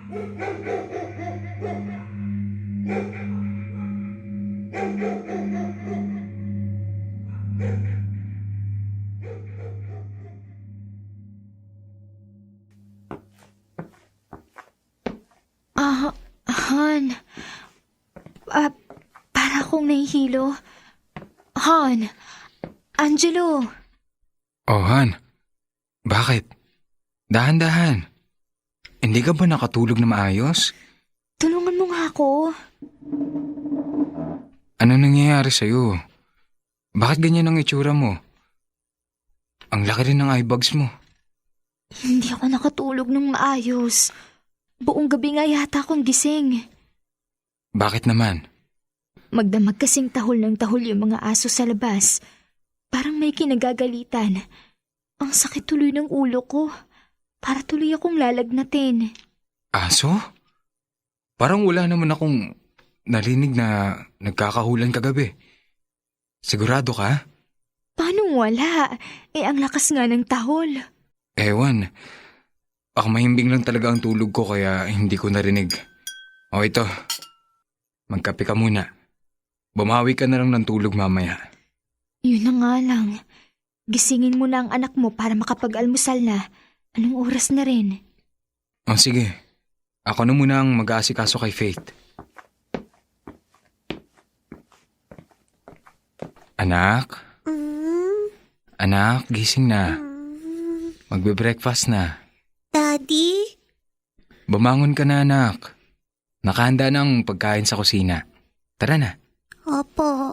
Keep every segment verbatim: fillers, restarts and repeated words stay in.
Ah, Han. Ah, para akong nahihilo. Han. Angelo. Oh, Han. Bakit? Dahan-dahan. Hindi ka ba nakatulog na maayos? Tulungan mo nga ako. Ano nangyayari sa'yo? Bakit ganyan ang itsura mo? Ang laki rin ng eye bags mo. Hindi ako nakatulog ng maayos. Buong gabi nga yata akong gising. Bakit naman? Magdamag kasing tahol ng tahol yung mga aso sa labas. Parang may kinagagalitan. Ang sakit tuloy ng ulo ko. Para tuloy akong lalagnatin. Aso? Parang wala naman akong narinig na nagkakahulan kagabi. Sigurado ka? Paano wala? Eh ang lakas nga ng tahol. Ewan. Baka mahimbing lang talaga ang tulog ko kaya hindi ko narinig. O ito, magkape ka muna. Bumawi ka na lang ng tulog mamaya. Yun na nga lang. Gisingin mo na ang anak mo para makapag-almusal na. Anong oras na rin? O sige, ako na muna ang mag-aasikaso kay Faith. Anak? Mm, Anak, gising na. mm. Magbe-breakfast na. Daddy? Bumangon ka na, anak. Nakahanda ng pagkain sa kusina. Tara na. Opo.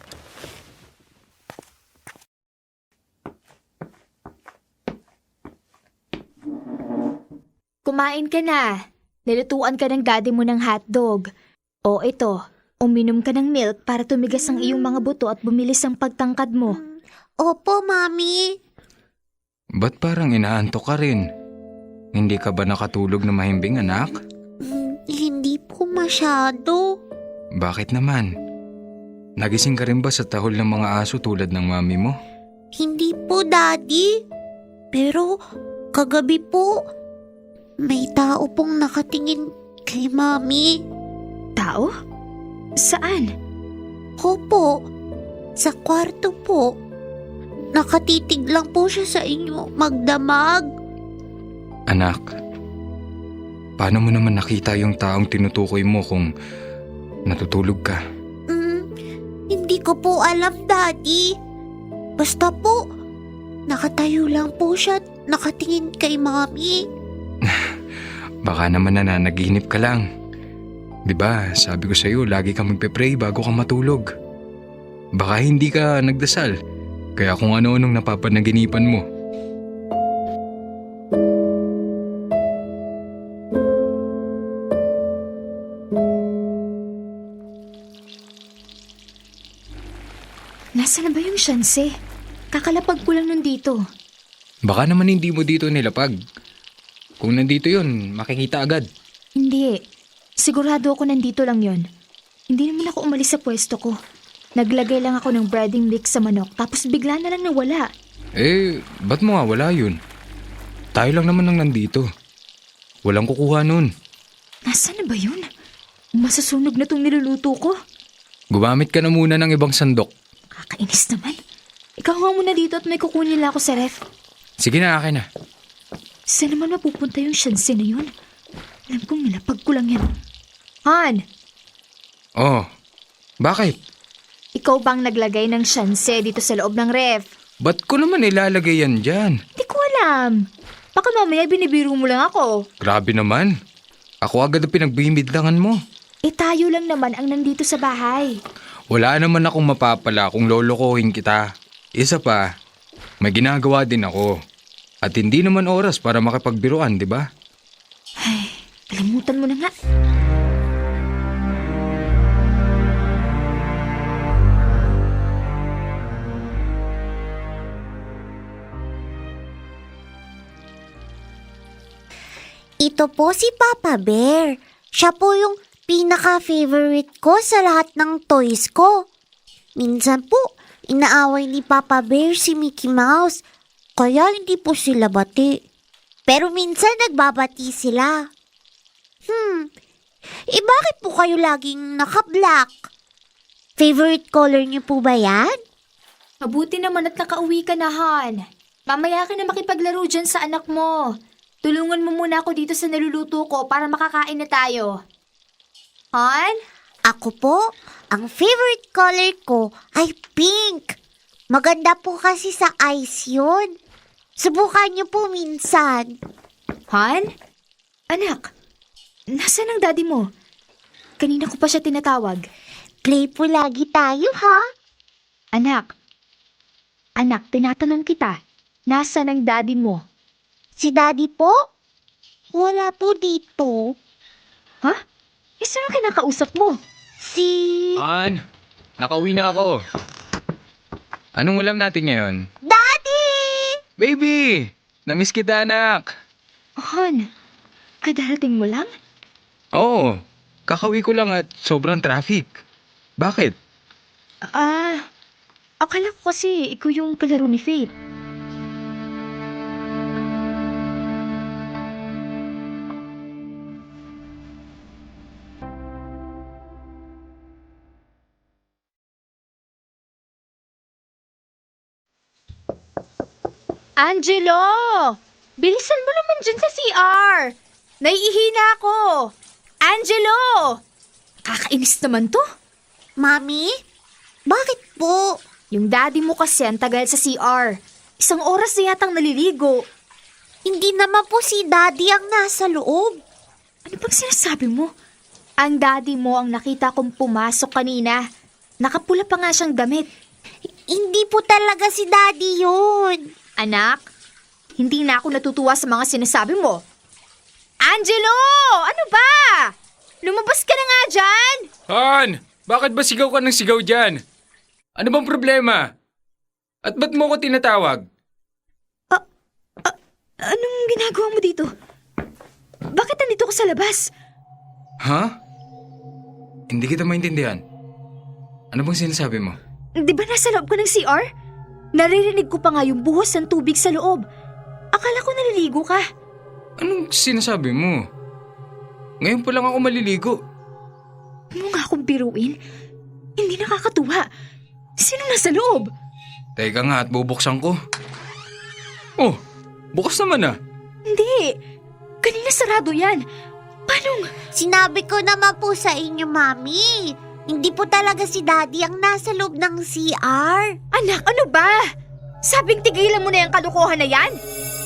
Kumain ka na. Nilutuan ka ng daddy mo ng hotdog. O ito, uminom ka ng milk para tumigas ang iyong mga buto at bumilis ang pagtangkad mo. Opo, Mami. Ba't parang inaantok ka rin? Hindi ka ba nakatulog na mahimbing, anak? Mm, hindi po masyado. Bakit naman? Nagising ka rin ba sa tahol ng mga aso tulad ng mami mo? Hindi po, Daddy. Pero kagabi po, may tao pong nakatingin kay Mami. Tao? Saan? Opo, sa kwarto po. Nakatitig lang po siya sa inyo magdamag. Anak, paano mo naman nakita yung taong tinutukoy mo kung natutulog ka? Mm, hindi ko po alam, Daddy. Basta po, nakatayo lang po siya at nakatingin kay Mami. Baka naman nananaginip ka lang. Diba, sabi ko sa'yo, lagi ka magpe-pray bago ka matulog. Baka hindi ka nagdasal, kaya kung ano-anong napapanaginipan mo. Nasaan na ba yung syanse? Kakalapag ko lang nandito. Baka naman hindi mo dito nilapag. Kung nandito yun, makikita agad. Hindi. Sigurado ako nandito lang yon. Hindi naman ako umalis sa pwesto ko. Naglagay lang ako ng breading mix sa manok tapos bigla na lang nawala. Eh, ba't mo nga wala yun? Tayo lang naman ang nandito. Walang kukuha nun. Nasaan na ba yun? Masasunog na tong niluluto ko. Gumamit ka na muna ng ibang sandok. Kakainis naman. Ikaw nga muna dito at may kukunin lang ako sa ref. Sige na, akin na. Saan naman mapupunta yung syanse na yun? Alam kong nilapag ko lang yan. Han! Oh, bakit? Ikaw bang naglagay ng syanse dito sa loob ng ref? Ba't ko naman ilalagay yan dyan? Hindi ko alam. Baka mamaya binibiro mo lang ako. Grabe naman. Ako agad ang pinagbimidlangan mo. Eh tayo lang naman ang nandito sa bahay. Wala naman akong mapapala kung lolokohin kita. Isa pa, may ginagawa din ako. At hindi naman oras para makipagbiruan, di ba? Ay, kalimutan mo na nga. Ito po si Papa Bear. Siya po yung pinaka-favorite ko sa lahat ng toys ko. Minsan po, inaaway ni Papa Bear si Mickey Mouse, kaya hindi po sila bati. Pero minsan nagbabati sila. Hmm, eh bakit po kayo laging naka-black? Favorite color niyo po ba yan? Mabuti naman at nakauwi ka na, Han. Mamaya ka na makipaglaro dyan sa anak mo. Tulungan mo muna ako dito sa naluluto ko para makakain na tayo. Han? Ako po, ang favorite color ko ay pink. Maganda po kasi sa eyes yun. Subukan niyo po minsan. Han? Anak, nasaan ang daddy mo? Kanina ko pa siya tinatawag. Play po lagi tayo, ha? Anak, anak, tinatanong kita, nasaan ang daddy mo? Si daddy po? Wala po dito. Ha? Eh, sino ang kinakausap mo? Si... Han, nakauwi na ako. Anong ulam natin ngayon? Daddy! Baby! Namiss kita, anak. Han, kadarating mo lang? Oo, kakauwi ko lang at sobrang traffic. Bakit? Ah, akala ko kasi ikaw yung kalaro ni Faith. Angelo! Bilisan mo naman dyan sa C R! Naiihina ako! Angelo! Kakainis naman to. Mami? Bakit po? Yung daddy mo kasi ang tagal sa C R. Isang oras na yatang naliligo. Hindi naman po si daddy ang nasa loob. Ano bang sinasabi mo? Ang daddy mo ang nakita kong pumasok kanina. Nakapula pa nga siyang damit. Hindi po talaga si daddy yun. Anak, hindi na ako natutuwa sa mga sinasabi mo. Angelo! Ano ba? Lumabas ka na nga dyan! Han! Bakit ba sigaw ka ng sigaw dyan? Ano bang problema? At ba't mo ko tinatawag? Anong ginagawa mo dito? Bakit nandito ka sa labas? Ha? Hindi kita maintindihan. Ano bang sinasabi mo? Di ba nasa loob ka ng C R? Naririnig ko pa nga yung buhos ng tubig sa loob. Akala ko naliligo ka. Anong sinasabi mo? Ngayon pa lang ako maliligo. Huwag mo nga akong biruin. Hindi nakakatuwa. Sino nasa loob? Teka nga at bubuksan ko. Oh, bukas naman ah. Hindi. Kanina sarado yan. Paano? Sinabi ko naman po sa inyo, Mami. Hindi po talaga si daddy ang nasa loob ng C R. Anak, ano ba? Sabing tigilan mo na yung kalokohan na yan?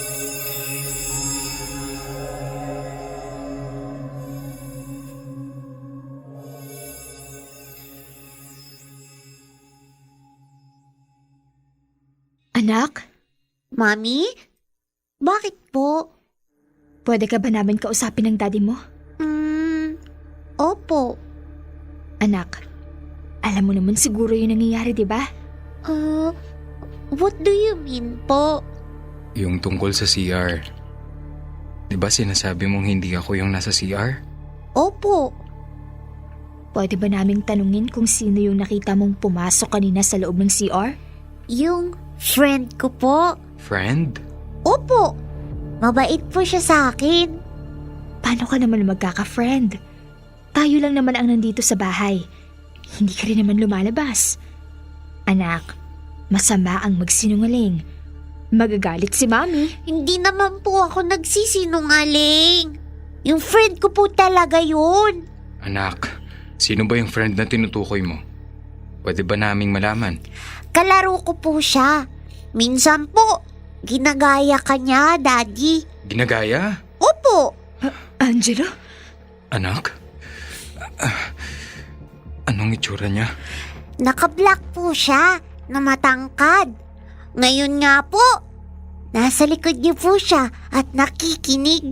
Anak, Mami? Bakit po? pwede ka ba namin kausapin ng daddy mo? Hmm, opo. Anak, alam mo naman siguro yung nangyayari, di ba? Uh, what do you mean po? Yung tungkol sa C R. Di ba sinasabi mong hindi ako yung nasa C R? Opo. Pwede ba naming tanungin kung sino yung nakita mong pumasok kanina sa loob ng C R? Yung friend ko po. Friend? Opo. Mabait po siya sa akin. Paano ka naman magkaka-friend? Tayo lang naman ang nandito sa bahay. Hindi ka rin naman lumalabas. Anak, masama ang magsinungaling. Magagalit si Mami. Hindi naman po ako nagsisinungaling. Yung friend ko po talaga yun. Anak, sino ba yung friend na tinutukoy mo? Pwede ba naming malaman? Kalaro ko po siya. Minsan po, ginagaya ka niya, Daddy. Ginagaya? Opo. Angelo? Anak? Ah, anong itsura niya? Naka-black po siya na matangkad. Ngayon nga po, nasa likod niyo po siya at nakikinig.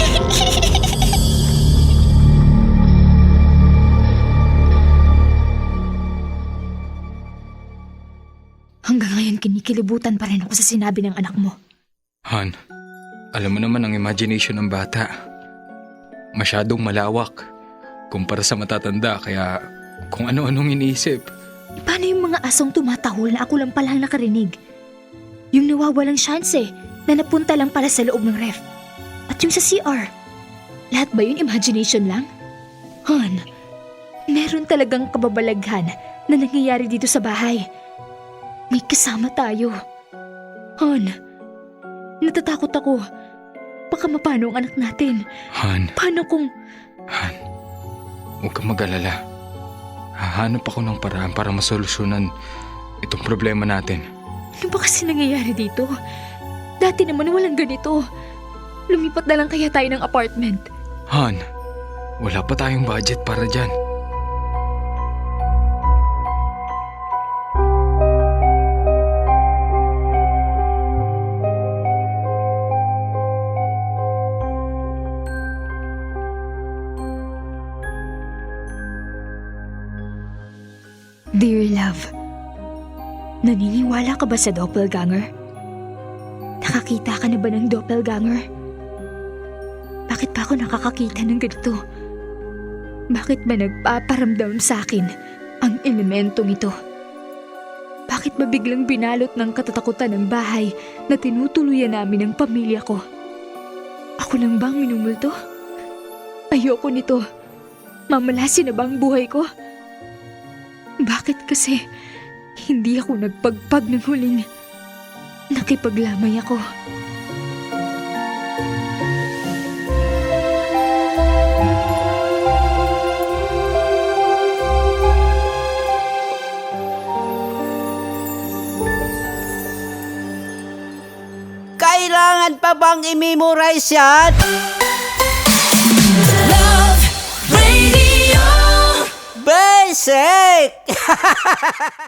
Hanggang ngayon kinikilibutan pa rin ako sa sinabi ng anak mo. Han, alam mo naman ang imagination ng bata. Masyadong malawak kumpara sa matatanda kaya kung ano-anong iniisip. Paano yung mga asong tumatahol na ako lang palang nakarinig? Yung nawawalang chance eh, na napunta lang pala sa loob ng ref. At yung sa C R, Lahat ba yun imagination lang? Han, meron talagang kababalaghan na nangyayari dito sa bahay. May kasama tayo. Han, natatakot ako. Baka mapano ang anak natin. Han, Paano kung... Han, huwag kang mag-alala. Hahanap ako ng paraan para masolusyonan itong problema natin. Ano ba kasi nangyayari dito? Dati naman walang ganito. Lumipat na lang kaya tayo ng apartment. Han, wala pa tayong budget para dyan. Dear love, naniniwala ka ba sa doppelganger? Nakakita ka na ba ng doppelganger? Bakit pa ako nakakakita ng ganito? Bakit ba nagpaparamdam sa akin ang elementong ito? Bakit ba biglang binalot ng katatakutan ng bahay na tinutuluyan namin ng pamilya ko? Ako lang bang minumulto? Ayoko nito. Mamalasin na ba ang buhay ko? Bakit kasi hindi ako nagpagpag ng huling nakipaglamay ako? Kailangan pa bang i-memorize yan? Love Radio. Basic!